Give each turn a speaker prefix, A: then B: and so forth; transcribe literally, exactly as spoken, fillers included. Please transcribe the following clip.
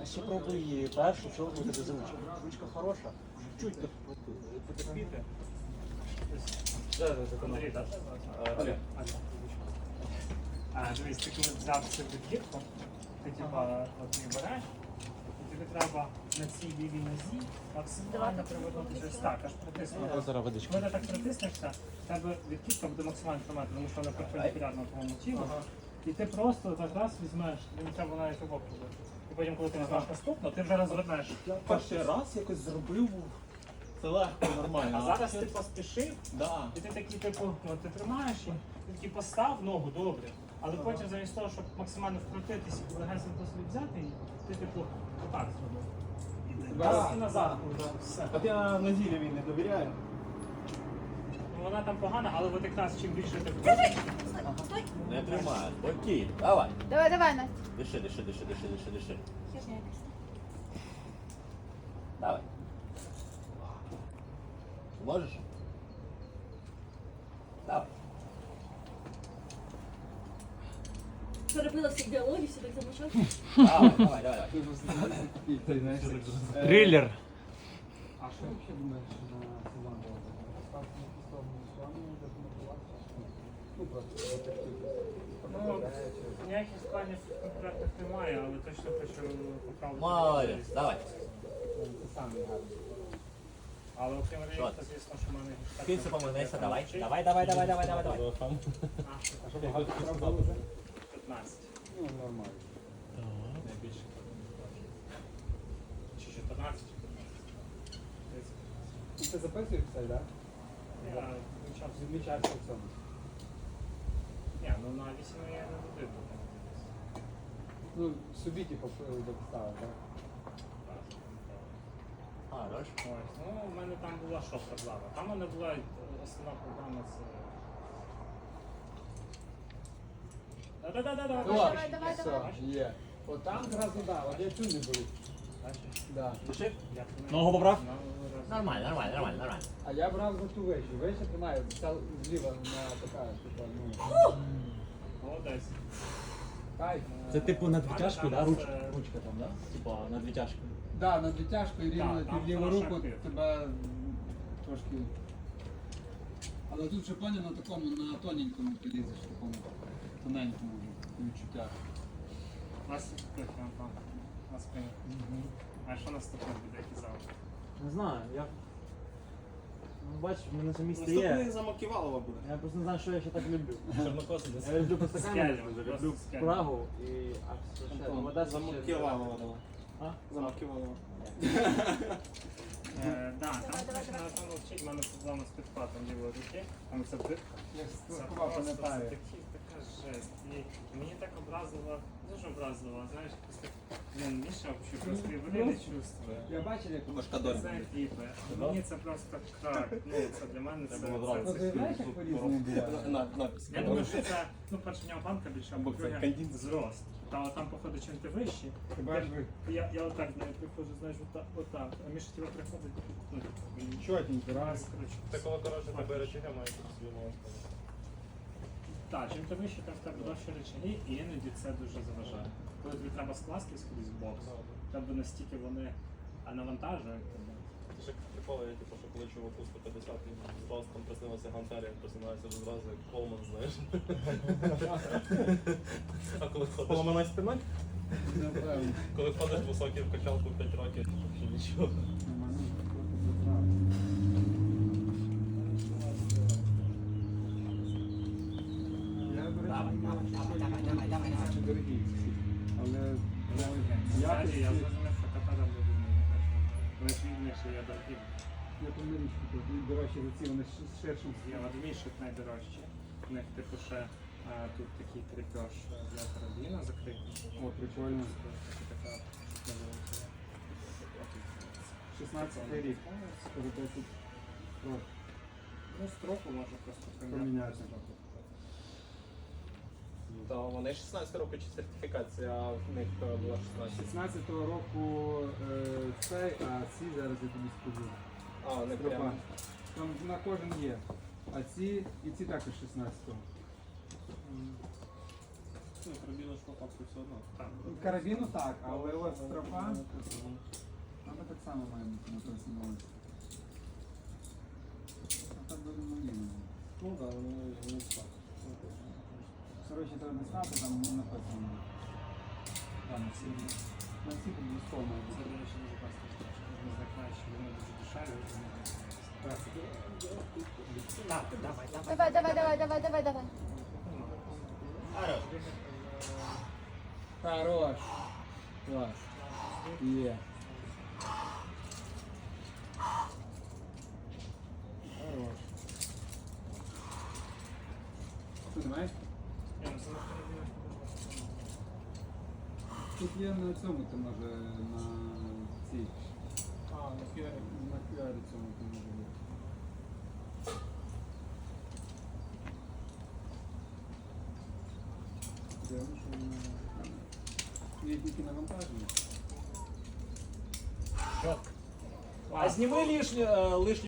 A: ще пробуй першу, що буде за ручка. Ручка хороша, чуть потерпіти.
B: Андрій, так? Дивись, ти коли взяв цю відбірку, ти типа от її береш, і тобі треба на цій лівій нозі максимально привернутися ось так, аж притиснути.
A: Зараз водичку.
B: Коли ти так притиснешся, в тебе відкидка буде максимально тримати, тому що вона перпендикулярна твоєму тілу. І ти просто так раз візьмеш, не треба навіть обок робити. І потім, коли ти візьмеш наступно, ти вже розвернеш.
A: Я перший раз якось зробив, це легко, нормально.
B: А зараз ти поспішив,
A: Да.
B: і ти такий, типу, ну, ти тримаєш і ти такий постав ногу добре. Але потім замість того, щоб максимально вкрутитися і легенько собі взяти її, ти типу отак зробив. Раз і назад. Все.
A: От я на зілі не довіряю.
B: Ну, вона там погана, але от якраз чим більше ти
C: Стой!
D: Не тримай, спокійно, давай.
C: Давай, давай, Настя.
D: Диши, диши, диши, диши, диши, диши.
C: Херня якась.
D: Давай. Можеш? Давай.
C: Перебила всіх біологію, все так замочав.
D: Давай, давай, давай, давай.
A: Трилер.
E: А що взагалі думаєш на команду? Ставки на сторону Ісландії, де мотивація? Ну, просто
B: Ну, ніяких планів конкретних немає, але точно хочу поправити.
D: Молодець, давай.
E: Це саме гарно.
B: Але окрім
D: Що?
B: рейка, звісно, що в мене гіштальт.
D: Кінцю поминайся, давай. Давай, давай, давай, давай, давай, давай.
E: А що багато справ було вже?
B: п'ятнадцять.
E: Ну, нормально.
B: Найбільше. Чи чотирнадцять?
E: Ну, ти записуєш все, так?
B: Я вивчав.
E: Відмічаєшся в цьому.
B: Ні, ну на вісім я не буду.
E: Ну, собі, типу, дописали, так?
D: Хорош.
B: Ось, ну в мене там була що проблема. Там у мене була е, основна проблема з. Да-да-да-да-да.
C: Давай, давай,
E: Все,
C: давай.
E: є. От там зразу, так, от я цю не беру. Да.
D: Диши.
A: Ногу поправ?
D: Нормально, нормально, нормально, нормально.
E: А я брав за ту вещу. Веща тримаю, ця зліва на така, типу, ну,
B: Молодець.
E: кайф.
A: Це типу на двітяжку, да? Руч,
B: Це-
A: ручка там, да? Типа на двітяжку.
E: Да, на дитяжку і рівно
B: Так, там
E: під ліву
B: хороший
E: руку
B: актив.
E: тебе м, трошки. Але тут вже поняв на такому, на тоненькому підрізеш, такому тоненькому вже відчуття.
B: У нас там на спині. А що наступне буде казав?
A: Не знаю, я... Ну, бачиш, в мене це місце є.
F: Наступний замоківалова буде.
A: Я просто не знаю, що я ще так люблю.
F: Чорнокосий.
A: Я люблю просто
B: Скелі,
A: камеру,
B: просто
A: люблю
B: скелі.
A: Прагу і... А все ще, ну, вода ще-
F: Замоківалова давай.
A: А?
F: Замоківалова.
B: Е, Да, там
C: Давай, давай,
B: точно на тому вчить, в мене проблема з підхватом лівої руки. Там це дирка.
E: Я ж
B: Це
E: страхував,
B: просто
E: пам'ятаю.
B: такі- така жесть. І мені так образливо, дуже образливо, знаєш, якось так, блін, Міша взагалі просто і вони не чувствує.
E: Я бачив, як
F: Машкадор.
B: Це кліпи. Мені це просто так, ну це для мене це...
A: було
B: це-
E: Ну,
B: це
E: ти знаєш, як по-різному буває?
F: На, напис.
B: Я думаю, що це, ну, перше, в нього банка більше, або
F: Або це
B: друге,
F: кондиціонер.
B: зрост. Та там, походу, чим ти вищий.
E: Ти бачиш, ви
B: Я, я отак, знаю, приходжу, знаєш, отак, отак. А Міша тебе приходить, ну, він
E: чотенько, раз.
B: раз, коротше.
F: Це коли коротше тебе речення має собі можна.
B: Так, чим ти вище, тим в тебе довші речаги, і іноді це дуже заважає. Коли тобі треба скластись кудись в бокс, в тебе настільки вони а, навантажують тебе.
F: Це ж приколи, я типу, що коли чуваку сто п'ятдесят і зразу там приснилося гантелі, як просинається вже зразу як Колман, знаєш. А коли ходиш,
A: Поламана спина?
E: Напевно.
F: коли ходиш високий в качалку п'ять років, ще нічого.
E: Нормально, трохи забрав. Я, до речі,
D: Давай, давай, давай, давай, давай.
E: дуже дорогі ці. Але
B: Взагалі, я
E: якості,
B: зрозумів, що ката там дуже не краще. Вони ж рівніше, я дорогий.
E: я по річку, тут дорожчі за ці, вони з ширшим.
B: Я от мішок найдорожчі. У них типу ще а, тут такий крепеж для карабіна закритий.
E: О, прикольно.
B: Це така невелика.
E: шістнадцятий рік. Скажу, десять років.
B: Ну, строку можна просто
E: Поміняти.
F: Та вони шістнадцять років чи сертифікація, а в них е, була шістнадцять.
E: шістнадцятого року е, цей, а ці зараз я тобі скажу.
F: А, не
E: Стропа.
F: прямо.
E: Там на кожен є. А ці і ці також шістнадцятого.
F: Ну, карабіна ж по факту все одно.
B: Так.
E: Карабіну так, але ось стропа, вона так само має бути на той самому. А так буде маліна.
F: Ну так, вони не так.
E: Коротше, треба дістати, там написано. Там всі. На всіх обов'язково має
B: Це,
E: бути.
B: до речі, дуже класно. Ми знаємо, що вони дуже дешеві.
D: Так, давай, давай.
C: Давай, давай, давай, давай, давай, давай.
D: Хорош.
E: Хорош. Клас. Є. Хорош. Ти не маєш? Тут є на цьому, ти може на цій.
B: А, на фіарі.
E: На піарі цьому ти може бути. Дивно, що вона... Є тільки навантаження.
D: Чітко.
A: А зніми лишнє, лишнє